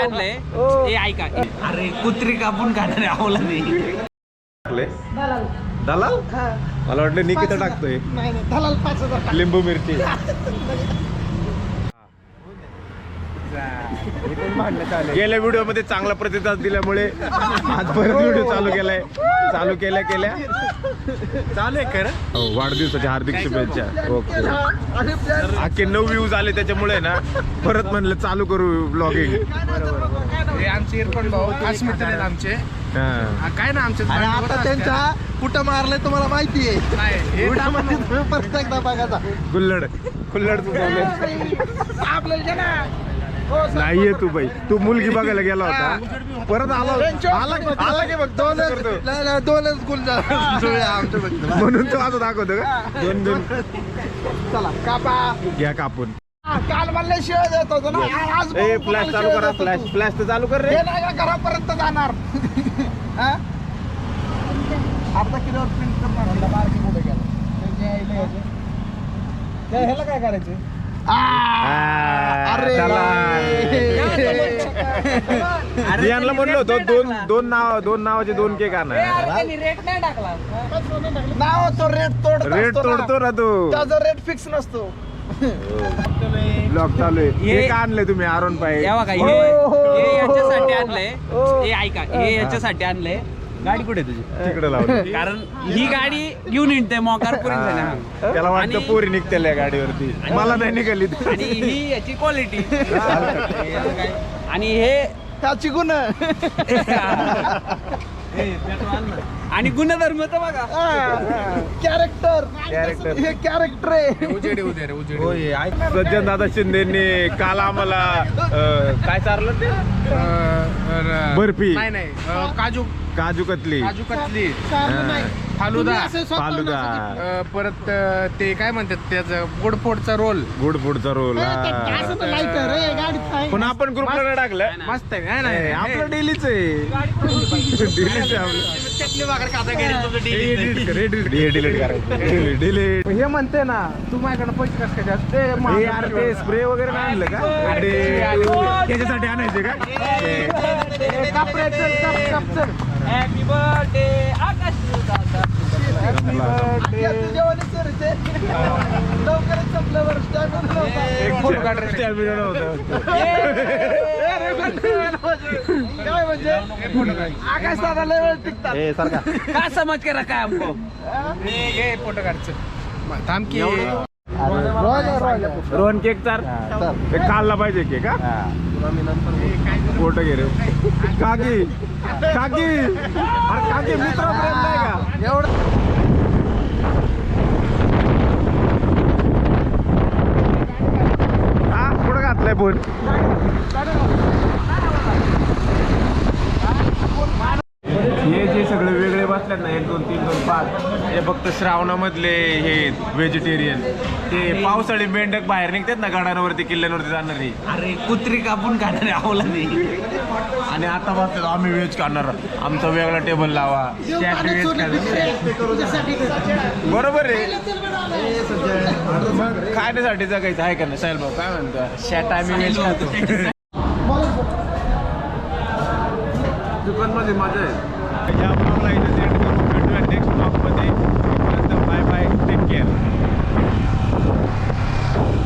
आणलंय हे ऐका. अरे कुत्री कापून खाणारे आवला नाही दलाल. मला वाटलं निकिता टाकतोय. दलाल 5,000 लिंबू मिरची. गेल्या व्हिडिओ मध्ये चांगला प्रतिसाद दिल्यामुळे आज परत व्हिडिओ चालू केलाय. चालू केल्या चालू आहे खरं. वाढदिवसाच्या हार्दिक शुभेच्छा. ओके. अख्खे 9 व्ह्यूज आले त्याच्यामुळे ना परत म्हणलं चालू करू ब्लॉगिंग. आमचे इरफान भाऊ खास मित्र आहेत आमचे. काय ना आमचे आता त्यांच्या कुठं मारलंय तुम्हाला माहिती आहे. परत एकदा बघायचा. कुल्लड नाहीये तू बाई. तू मुलगी बघायला गेला होता परत आला की बघ दोनच गुल म्हणून तो आता दाखवतो का. दोन चला कापा घ्या कापून. काल मला शिवाय देत होतो ना. आज फ्लॅश चालू करा. फ्लॅश तर चालू कर रे. घरापर्यंत जाणार. अर्धा किलोवर प्रिंट करणार म्हणलं. बारकी कुठे गेला ह्याला काय करायचं. यांना म्हणलं होतं दोन नावाचे 2 केक आणा. रेट नाही टाकला. नाव तो रेट तोडतो ना तू. त्याचा रेट फिक्स नसतो. ब्लॉग चालू आहे. हे का आणलंय तुम्ही आरोन पाय. हे याच्यासाठी आणलंय हे ऐका. हे याच्यासाठी आणलंय. गाडी कुठे तुझी तिकडे लावली. कारण ही गाडी घेऊन येते मोकार त्याला वाटतं पोरी निघते या गाडीवरती. मला नाही निघाली. आणि ही याची क्वालिटी आणि हे त्याची गुण आणि गुणधर्म तर बघा. कॅरेक्टर हे कॅरेक्टर आहे. सज्जन दादा शिंदेनी काल आम्हाला काय चारलं ते बर्फी काजू कतली फालुदा परत ते काय म्हणतात त्याचं गुडफोडचा रोल. पण आपण ग्रुपला नाही टाकलं. मस्त आहे. आपलं डेलीच आहे. डिलीट हे म्हणते ना तू माझ्याकडे पैसे कसं काय जास्त स्प्रे वगैरे नाही आणलं का. त्याच्यासाठी आणायचे का. Happy birthday Aakash. लवकरच संपल्यावर काय म्हणजे आकाश दादा लय वेळ टिकतात. काय समज के रखा है हमको. फोटो काढचं थांब की. रोहन केक चार काढला पाहिजे केक. हा फोटो घे रे. काकी अरे काकी मित्र प्रेम नाही का एवढं. हा कुठं घातलाय फोन. हे जे सगळे वेगळे बसल्यात ना 1 2 3 2 5 हे फक्त श्रावणामधले हे व्हेजिटेरियन. ते पावसाळी मेंढक बाहेर निघतात ना गडांवरती किल्ल्यांवरती जाणारी. अरे कुत्री कापून खाणारे आवला नाही. आणि आता बसतात आम्ही व्हेज खाणार. आमचा वेगळा टेबल लावा. बरोबर आहे. मग खाण्यासाठी जगायचं आहे का नाही साहेब भाऊ. काय म्हणतो शॅट आम्ही व्हेज खातो. दुकानमध्ये मजा आहे. या ब्लॉगला इथे सेंड करून भेटूया नेक्स्ट ब्लॉगमध्ये. Bye bye take care.